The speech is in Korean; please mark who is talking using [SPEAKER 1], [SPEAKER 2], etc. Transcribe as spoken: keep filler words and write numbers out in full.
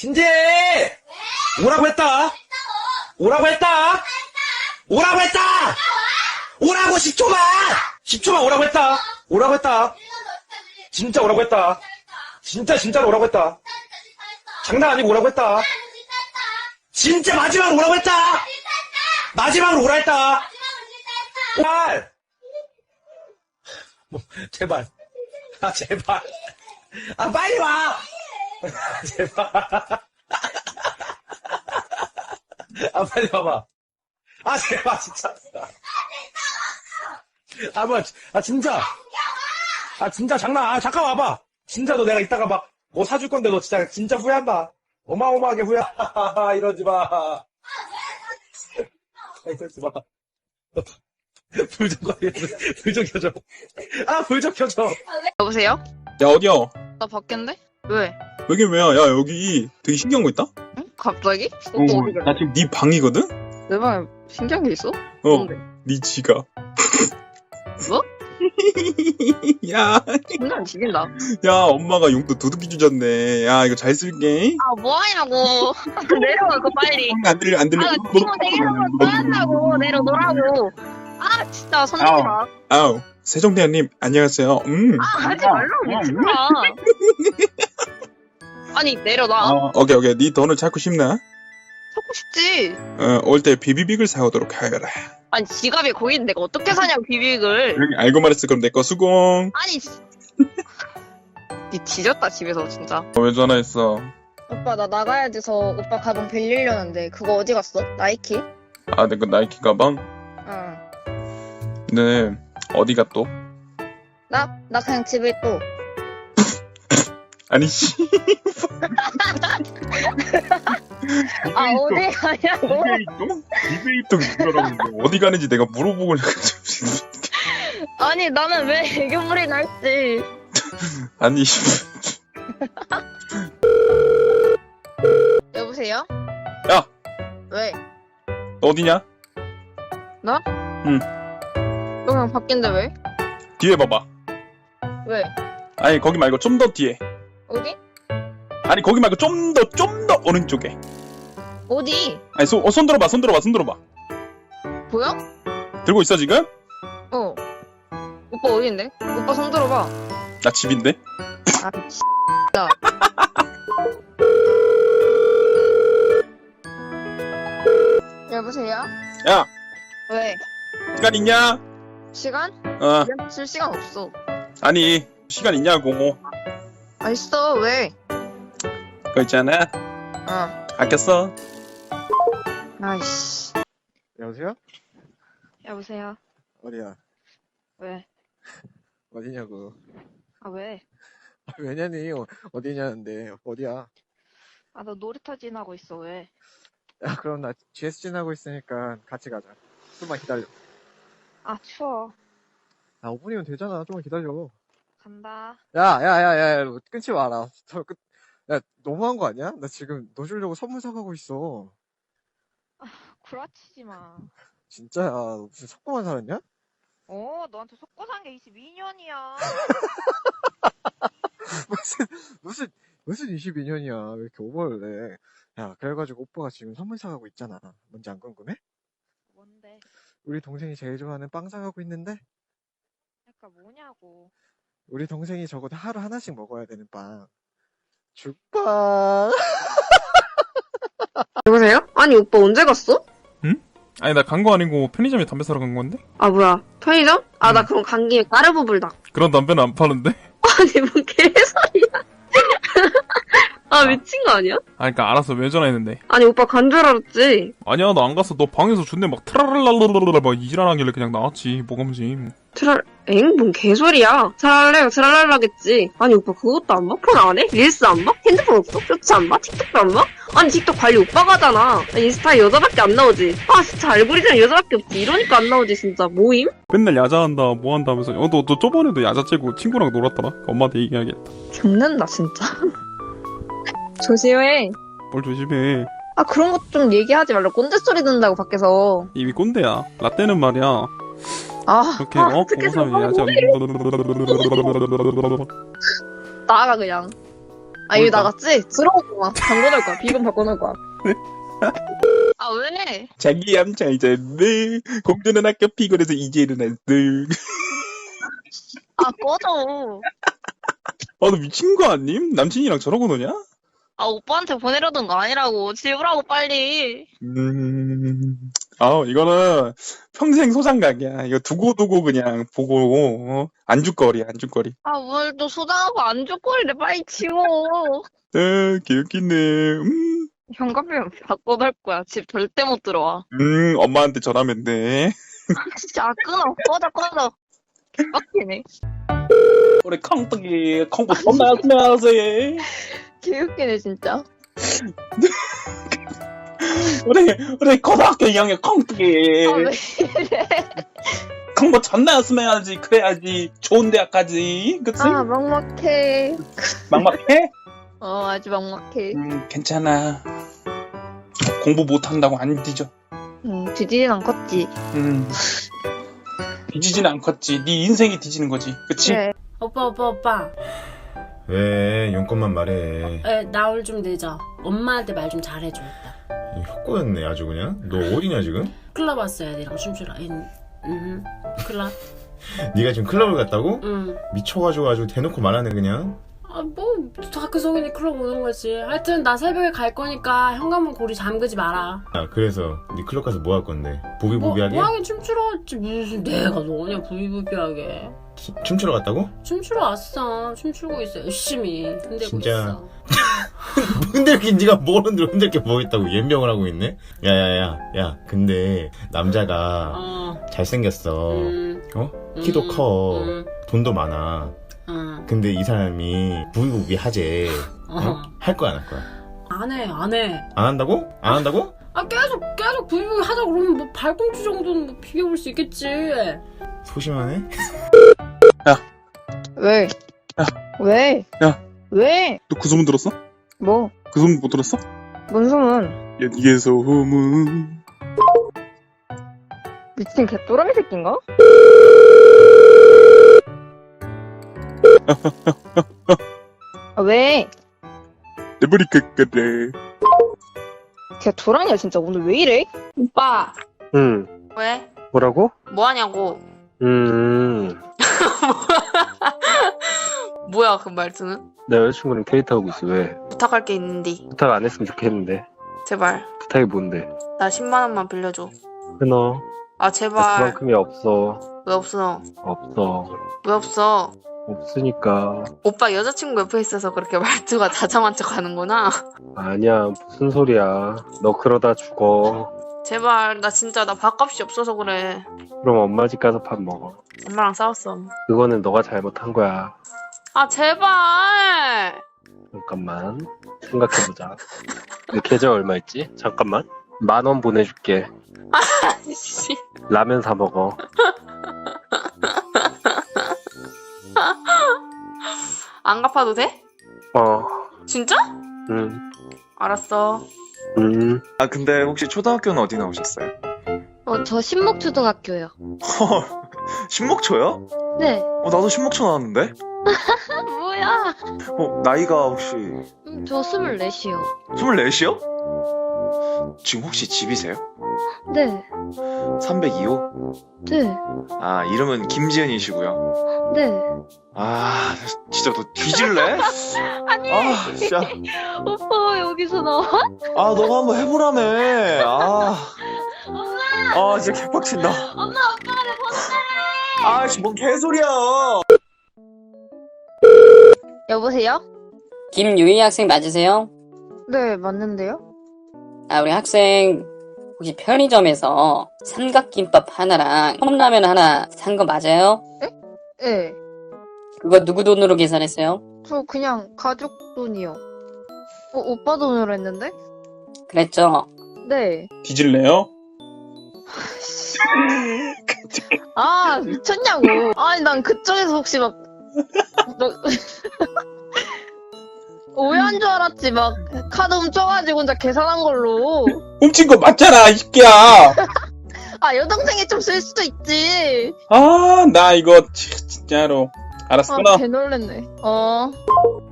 [SPEAKER 1] 신재! 오라고 했다! 오라고 했다! 오라고 했다! 오라고 십 초만! 십 초만 오라고 했다! 오라고 했다! 진짜 오라고 했다! 진짜 진짜로 오라고 했다! 장난 아니고 오라고 했다! 진짜 마지막으로 오라고 했다! 마지막으로 오라 했다! 제발! 뭐, 제발. 아, 제발. 아, 빨리 와! 제발. 아, 빨리 와봐. 아, 제발, 진짜. 아, 뭐야, 아, 진짜. 아, 진짜 장난, 아, 잠깐 와봐. 진짜 너 내가 이따가 막, 뭐 사줄 건데 너 진짜, 진짜 후회한다. 어마어마하게 후회, 이러지 마. 아, 이러지 마. 불 좀 꺼, 불 좀 켜줘. 아, 불 좀 켜줘.
[SPEAKER 2] 여보세요?
[SPEAKER 3] 야, 어디야?
[SPEAKER 2] 나 밖인데? 왜?
[SPEAKER 3] 여기 왜야? 야, 여기 되게 신기한 거 있다?
[SPEAKER 2] 응? 갑자기?
[SPEAKER 3] 어,
[SPEAKER 2] 오빠 어디 가?
[SPEAKER 3] 나 지금 네 방이거든?
[SPEAKER 2] 내 방에 신기한 게 있어?
[SPEAKER 3] 어,
[SPEAKER 2] 뭔데?
[SPEAKER 3] 네 지갑.
[SPEAKER 2] 뭐?
[SPEAKER 3] 야,
[SPEAKER 2] 장난 죽인다.
[SPEAKER 3] 야, 엄마가 용돈 두둑이 주셨네. 야, 이거 잘 쓸게.
[SPEAKER 2] 아, 뭐하냐고. 내려와, 그거 빨리.
[SPEAKER 3] 안 들려, 안 들려.
[SPEAKER 2] 아, 나 친구 생일선물 써한다고. 내려놓으라고. 아, 진짜, 손 대지 마.
[SPEAKER 3] 아우, 세종대왕님, 안녕하세요. 음.
[SPEAKER 2] 아, 하지 말라고, 미친아. 아니, 내려놔.
[SPEAKER 3] 어, 오케이, 오케이. 네 돈을 찾고 싶나?
[SPEAKER 2] 찾고 싶지.
[SPEAKER 3] 어, 올 때 비비빅을 사오도록 하여라.
[SPEAKER 2] 아니, 지갑이 거기 있는데 내가 어떻게 사냐고, 비빅을.
[SPEAKER 3] 여기 알고 말했어. 그럼 내 거 수공.
[SPEAKER 2] 아니, 씨. 니 뒤졌다, 집에서, 진짜.
[SPEAKER 3] 어, 왜 전화했어?
[SPEAKER 2] 오빠, 나 나가야 돼서 오빠 가방 빌리려는데, 그거 어디 갔어? 나이키?
[SPEAKER 3] 아, 내 거 나이키 가방?
[SPEAKER 2] 응.
[SPEAKER 3] 네, 어디가 또?
[SPEAKER 2] 나? 나 그냥 집에 또.
[SPEAKER 3] 아니, 씨.
[SPEAKER 2] 아, 어디 가냐고?
[SPEAKER 3] 이베이동? 이베이동 이거라고 어디 가는지 내가 물어보고
[SPEAKER 2] 아니, 나는 왜 애교물이 날지.
[SPEAKER 3] 아니
[SPEAKER 2] 여보세요?
[SPEAKER 3] 야!
[SPEAKER 2] 왜?
[SPEAKER 3] 너 어디냐?
[SPEAKER 2] 나?
[SPEAKER 3] 응.
[SPEAKER 2] 너 그냥 밖인데 왜?
[SPEAKER 3] 뒤에 봐봐.
[SPEAKER 2] 왜?
[SPEAKER 3] 아니 거기 말고 좀 더 뒤에.
[SPEAKER 2] 어디?
[SPEAKER 3] 아니 거기 말고 좀 더 좀 더 오른쪽에.
[SPEAKER 2] 어디?
[SPEAKER 3] 아니 소, 어, 손 들어봐 손 들어봐 손 들어봐.
[SPEAKER 2] 보여?
[SPEAKER 3] 들고 있어 지금?
[SPEAKER 2] 어. 오빠 어디인데? 오빠 손 들어봐.
[SPEAKER 3] 나 집인데?
[SPEAKER 2] 아, 진짜. 여보세요?
[SPEAKER 3] 야!
[SPEAKER 2] 왜?
[SPEAKER 3] 시간 있냐?
[SPEAKER 2] 시간?
[SPEAKER 3] 어
[SPEAKER 2] 지금 쓸 시간 없어.
[SPEAKER 3] 아니 시간 있냐고.
[SPEAKER 2] 아, 있어. 왜?
[SPEAKER 3] 그거 있잖아.
[SPEAKER 2] 어.
[SPEAKER 3] 아꼈어.
[SPEAKER 2] 아이씨.
[SPEAKER 4] 여보세요?
[SPEAKER 2] 여보세요?
[SPEAKER 4] 어디야?
[SPEAKER 2] 왜?
[SPEAKER 4] 어디냐고.
[SPEAKER 2] 아, 왜?
[SPEAKER 4] 아, 왜냐니? 어, 어디냐는데. 어디야?
[SPEAKER 2] 아, 너 놀이터 지나고 있어. 왜?
[SPEAKER 4] 야, 그럼 나 지에스 지나고 있으니까 같이 가자. 좀만 기다려.
[SPEAKER 2] 아, 추워.
[SPEAKER 4] 아, 오 분이면 되잖아. 좀만 기다려.
[SPEAKER 2] 간다.
[SPEAKER 4] 야, 야, 야, 야, 야, 끊지 마라. 저 끝, 야, 너무한 거 아니야? 나 지금 너 주려고 선물 사가고 있어.
[SPEAKER 2] 구라치지 마.
[SPEAKER 4] 진짜야. 너 무슨 속고만 살았냐?
[SPEAKER 2] 어, 너한테 속고 산 게 이십이 년이야.
[SPEAKER 4] 무슨, 무슨, 무슨 이십이 년이야. 왜 이렇게 오버를 해. 야, 그래가지고 오빠가 지금 선물 사가고 있잖아. 뭔지 안 궁금해?
[SPEAKER 2] 뭔데?
[SPEAKER 4] 우리 동생이 제일 좋아하는 빵 사가고 있는데?
[SPEAKER 2] 그러니까 뭐냐고.
[SPEAKER 4] 우리 동생이 적어도 하루 하나씩 먹어야 되는 빵. 죽빵.
[SPEAKER 5] 여보세요? 아니 오빠 언제 갔어?
[SPEAKER 6] 아니 나 간 거 아니고 편의점에 담배 사러 간 건데?
[SPEAKER 5] 아 뭐야 편의점? 아 나
[SPEAKER 6] 응.
[SPEAKER 5] 그럼 간 김에 까르보 불닭.
[SPEAKER 6] 그런 담배는 안 파는데?
[SPEAKER 5] 아니 뭔 개소리야. 아 미친 거 아니야?
[SPEAKER 6] 아 그니까 알았어 왜 전화했는데
[SPEAKER 5] 아니 오빠 간 줄 알았지.
[SPEAKER 6] 아니야 나 안 갔어 너 방에서 존내 막 트랄랄랄랄랄 막 이지랄하길래 그냥 나왔지 뭐가 문제.
[SPEAKER 5] 트랄 엥? 뭔 개소리야. 트랄레가 트랄랄라겠지. 아니 오빠 그것도 안 봐? 폰 안 해? 릴스 안 봐? 핸드폰 없어? 쇼츠 안 봐? 틱톡도 안 봐? 아니 틱톡 관리 오빠가 하잖아. 인스타에 여자밖에 안 나오지. 아 진짜 알고리즘 여자밖에 없지. 이러니까 안 나오지 진짜. 모임?
[SPEAKER 6] 맨날 야자한다 뭐한다 하면서 어 너 너 저번에도 야자 째고 친구랑 놀았더라. 엄마한테 얘기해야겠다.
[SPEAKER 5] 죽는다 진짜. 조심해.
[SPEAKER 6] 뭘 조심해.
[SPEAKER 5] 아 그런 것 좀 얘기하지 말라. 꼰대 소리 듣는다고 밖에서.
[SPEAKER 6] 이미 꼰대야. 라떼는 말이야
[SPEAKER 5] 아,
[SPEAKER 6] 그렇게
[SPEAKER 5] 아,
[SPEAKER 6] 어?
[SPEAKER 5] 어떻게
[SPEAKER 6] 보고서
[SPEAKER 5] 저거
[SPEAKER 6] 야자
[SPEAKER 5] 나가 그냥.
[SPEAKER 2] 아, 이거
[SPEAKER 6] 뭘까?
[SPEAKER 2] 나갔지? 들어오고 막 바꿔놓을 거야. 비번 바꿔놓을 거야. 아, 왜?
[SPEAKER 3] 자기 얌잘 잤네. 공주는 학교 피곤해서 이제 일어났어.
[SPEAKER 2] 아, 꺼져.
[SPEAKER 3] 아, 너 미친 거 아님? 남친이랑 저러고 노냐?
[SPEAKER 2] 아, 오빠한테 보내려던 거 아니라고. 지우라고, 빨리.
[SPEAKER 3] 음, 아, 이거는 평생 소장각이야. 이거 두고두고 그냥 보고, 어? 안주거리, 안주거리.
[SPEAKER 2] 아, 뭘 또 소장하고 안쪽거리래. 빨리 지워.
[SPEAKER 3] 아, 개웃기네. 음,
[SPEAKER 2] 현관비면 바꿔놓을 거야. 집 절대 못 들어와.
[SPEAKER 3] 음, 엄마한테 전화하면 돼.
[SPEAKER 2] 진짜 아, 끊어. 꺼져, 꺼져. 개빡치네.
[SPEAKER 1] 우리 콩떡이 콩고 존나 열심히 하지.
[SPEAKER 2] 개웃기네, 진짜.
[SPEAKER 1] 우리 우리 고등학교 이 학년 콩떡이
[SPEAKER 2] 아, 왜 이래.
[SPEAKER 1] 콩고 존나 열심히 해야지. 그래야지 좋은 대학 가지. 그치?
[SPEAKER 2] 아, 막막해.
[SPEAKER 1] 막막해?
[SPEAKER 2] 어, 아주 막막해.
[SPEAKER 1] 음, 괜찮아. 공부 못한다고 안 뒤져.
[SPEAKER 2] 응, 뒤지진 않겠지.
[SPEAKER 1] 음. 뒤지진 않겠지. 네 인생이 뒤지는 거지. 그치?
[SPEAKER 2] 그래.
[SPEAKER 7] 오빠 오빠 오빠
[SPEAKER 8] 왜 용건만 말해.
[SPEAKER 7] 에, 나 오늘 좀 늦어. 엄마한테 말 좀 잘해줘.
[SPEAKER 8] 이 헛거였네 아주 그냥. 너 어디냐 지금?
[SPEAKER 7] 클럽 왔어 애들이랑 춤추러. 응, 응. 클럽?
[SPEAKER 8] 네가 지금 클럽을 갔다고?
[SPEAKER 7] 응.
[SPEAKER 8] 미쳐가지고 아주 대놓고 말하네 그냥.
[SPEAKER 7] 아, 뭐 다크 성인이 클럽 오는 거지. 하여튼 나 새벽에 갈 거니까 현관문 고리 잠그지 마라.
[SPEAKER 8] 아 그래서 네 클럽 가서 뭐 할 건데?
[SPEAKER 7] 뭐,
[SPEAKER 8] 부비부비하게?
[SPEAKER 7] 뭐 하긴 춤추러 왔지. 무슨 내가 너냐 부비부비하게.
[SPEAKER 8] 치- 춤추러 갔다고?
[SPEAKER 7] 춤추러 왔어. 춤추고 있어. 열심히 흔들고
[SPEAKER 8] 진짜.
[SPEAKER 7] 있어.
[SPEAKER 8] 흔들긴 네가 뭘 흔들어 흔들 게 뭐 있다고 연명을 하고 있네? 야야야 야 근데 남자가
[SPEAKER 7] 어.
[SPEAKER 8] 잘생겼어.
[SPEAKER 7] 음.
[SPEAKER 8] 어? 키도
[SPEAKER 7] 음,
[SPEAKER 8] 커.
[SPEAKER 7] 음,
[SPEAKER 8] 돈도 많아.
[SPEAKER 7] 음.
[SPEAKER 8] 근데 이 사람이 부비부비 하재. 어?
[SPEAKER 7] 어.
[SPEAKER 8] 할 거야 안 할 거야?
[SPEAKER 7] 안 해, 안 해.
[SPEAKER 8] 안 한다고? 안 한다고?
[SPEAKER 7] 아, 계속, 계속 부비부비 하자 그러면 뭐 발꿈치 정도는 뭐 비벼볼 수 있겠지.
[SPEAKER 8] 소심하네?
[SPEAKER 2] 왜?
[SPEAKER 3] 야.
[SPEAKER 2] 왜?
[SPEAKER 3] 야.
[SPEAKER 2] 왜?
[SPEAKER 3] 너 그 소문 들었어?
[SPEAKER 2] 뭐?
[SPEAKER 3] 그 소문 못 들었어?
[SPEAKER 2] 뭔 소문?
[SPEAKER 3] 야, 니의 소문.
[SPEAKER 2] 미친 개또라이 새끼인가? 아, 왜?
[SPEAKER 3] 내 머리 깎아래.
[SPEAKER 2] 걔 도라이야 진짜 오늘 왜 이래?
[SPEAKER 9] 오빠,
[SPEAKER 10] 응,
[SPEAKER 9] 왜?
[SPEAKER 10] 뭐라고?
[SPEAKER 9] 뭐 하냐고.
[SPEAKER 10] 음,
[SPEAKER 9] 뭐야, 그 말투는?
[SPEAKER 10] 내 여자친구랑 데이트하고 있어. 왜?
[SPEAKER 9] 부탁할 게 있는데.
[SPEAKER 10] 부탁 안 했으면 좋겠는데.
[SPEAKER 9] 제발.
[SPEAKER 10] 부탁이 뭔데?
[SPEAKER 9] 나 십만 원만 빌려줘.
[SPEAKER 10] 끊어.
[SPEAKER 9] 아,
[SPEAKER 10] 나
[SPEAKER 9] 제발.
[SPEAKER 10] 그만큼이 없어.
[SPEAKER 9] 왜 없어?
[SPEAKER 10] 없어.
[SPEAKER 9] 왜 없어?
[SPEAKER 10] 없으니까.
[SPEAKER 9] 오빠 여자친구 옆에 있어서 그렇게 말투가 다정한 척 하는구나.
[SPEAKER 10] 아니야, 무슨 소리야. 너 그러다 죽어.
[SPEAKER 9] 제발, 나 진짜 나 밥값이 없어서 그래.
[SPEAKER 10] 그럼 엄마 집 가서 밥 먹어.
[SPEAKER 9] 엄마랑 싸웠어.
[SPEAKER 10] 그거는 너가 잘못한 거야.
[SPEAKER 9] 아, 제발!
[SPEAKER 10] 잠깐만. 생각해보자. 내 계좌 얼마 있지? 잠깐만. 만 원 보내줄게.
[SPEAKER 9] 씨.
[SPEAKER 10] 라면 사 먹어.
[SPEAKER 9] 안 갚아도 돼?
[SPEAKER 10] 어,
[SPEAKER 9] 진짜?
[SPEAKER 10] 음,
[SPEAKER 9] 알았어.
[SPEAKER 10] 음.
[SPEAKER 3] 아, 근데 혹시 초등학교는 어디 나오셨어요?
[SPEAKER 2] 어, 저 신목초등학교요.
[SPEAKER 3] 헐, 신목초요?
[SPEAKER 2] 네.
[SPEAKER 3] 어, 나도 신목초 나왔는데?
[SPEAKER 2] 뭐야?
[SPEAKER 3] 어, 나이가 혹시
[SPEAKER 2] 음, 저 스물넷이요.
[SPEAKER 3] 스물넷이요? 지금 혹시 집이세요?
[SPEAKER 2] 네.
[SPEAKER 3] 삼백이 호?
[SPEAKER 2] 네.
[SPEAKER 3] 아, 이름은 김지현이시고요.
[SPEAKER 2] 네.
[SPEAKER 3] 아, 진짜 너 뒤질래?
[SPEAKER 2] 아니,
[SPEAKER 3] 아, 진짜.
[SPEAKER 2] 오빠 왜 여기서 나와?
[SPEAKER 3] 아, 너가 한번 해보라며. 아. 아, 진짜 개빡친다.
[SPEAKER 2] 엄마, 오빠가 내 번호를
[SPEAKER 3] 아, 씨, 뭔 개소리야.
[SPEAKER 2] 여보세요?
[SPEAKER 11] 김유희 학생 맞으세요?
[SPEAKER 2] 네, 맞는데요?
[SPEAKER 11] 아, 우리 학생 혹시 편의점에서 삼각김밥 하나랑 컵라면 하나 산 거 맞아요?
[SPEAKER 2] 네.
[SPEAKER 11] 그거 누구 돈으로 계산했어요?
[SPEAKER 2] 저 그냥 가족 돈이요. 어, 오빠 돈으로 했는데?
[SPEAKER 11] 그랬죠?
[SPEAKER 2] 네.
[SPEAKER 1] 뒤질래요?
[SPEAKER 2] 아, 미쳤냐고. 아니, 난 그쪽에서 혹시 막, 너, 오해한 줄 알았지. 막, 카드 훔쳐가지고 혼자 계산한 걸로.
[SPEAKER 1] 훔친 거 맞잖아, 이 새끼야.
[SPEAKER 2] 아, 여동생이 좀 쓸 수도 있지.
[SPEAKER 1] 아, 나 이거 치- 진짜로. 알았어, 끊어.
[SPEAKER 2] 아, 개 놀랬네. 어.